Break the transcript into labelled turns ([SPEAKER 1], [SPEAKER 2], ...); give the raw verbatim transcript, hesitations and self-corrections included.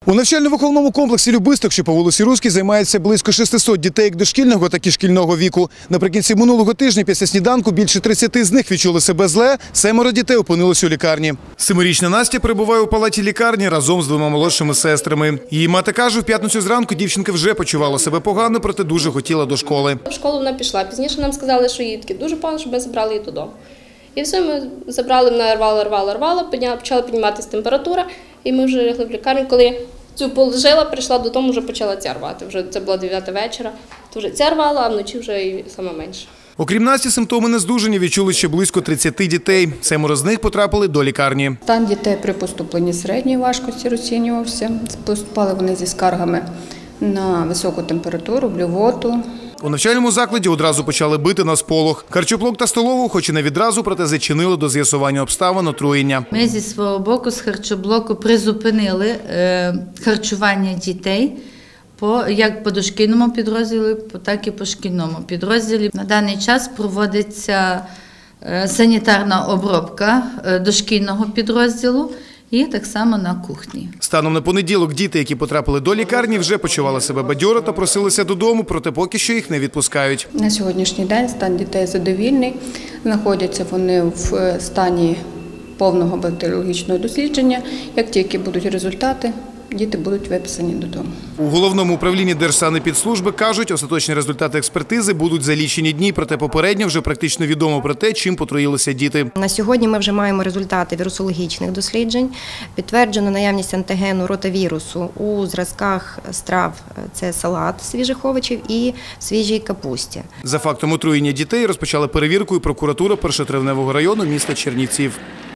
[SPEAKER 1] У навчально-виховному комплексі «Любисток», що по вулиці Руській, займається близько шестисот дітей як дошкільного, так і шкільного віку. Наприкінці минулого тижня після сніданку більше тридцяти з них відчули себе зле, семеро дітей опинилися у лікарні. Семирічна Настя перебуває у палаті лікарні разом з двома молодшими сестрами. Її мати каже, в п'ятницю зранку дівчинка вже почувала себе погано, проте дуже хотіла до школи.
[SPEAKER 2] В школу вона пішла. Пізніше нам сказали, що їй таки дуже погано, щоб ми забрали її додому. І все, ми забрали, вона рвала, рвала, рвала, почала підніматися температура, і ми вже лягли в лікарню. Коли цю положила, прийшла додому, вже почала ця рвати. Вже це було дев'ята вечора, то вже ця рвала, а вночі вже і саме менше.
[SPEAKER 1] Окрім Насті, симптоми нездужання відчули ще близько тридцяти дітей. Семеро з них потрапили до лікарні.
[SPEAKER 3] Стан дітей при поступленні середньої важкості розцінювався. Поступали вони зі скаргами на високу температуру, блювоту.
[SPEAKER 1] У навчальному закладі одразу почали бити на сполох. Харчоблок та столову, хоч і не відразу, проте зачинили до з'ясування обставин отруєння.
[SPEAKER 4] Ми зі свого боку з харчоблоку призупинили е, харчування дітей по, як по дошкільному підрозділі, так і по шкільному підрозділі. На даний час проводиться е, санітарна обробка е, дошкільного підрозділу. І так само на кухні.
[SPEAKER 1] Станом на понеділок діти, які потрапили до лікарні, вже почували себе бадьоро та просилися додому, проте поки що їх не відпускають.
[SPEAKER 3] На сьогоднішній день стан дітей задовільний. Знаходяться вони в стані повного бактеріологічного дослідження. Як тільки будуть результати, діти будуть виписані додому.
[SPEAKER 1] У Головному управлінні Держсанепідслужби кажуть, остаточні результати експертизи будуть за лічені дні, проте попередньо вже практично відомо про те, чим потруїлися діти.
[SPEAKER 5] На сьогодні ми вже маємо результати вірусологічних досліджень. Підтверджено наявність антигену ротавірусу у зразках страв – це салат свіжих овочів і свіжій капусті.
[SPEAKER 1] За фактом отруєння дітей розпочали перевірку і прокуратура Першотравневого району міста Чернівців.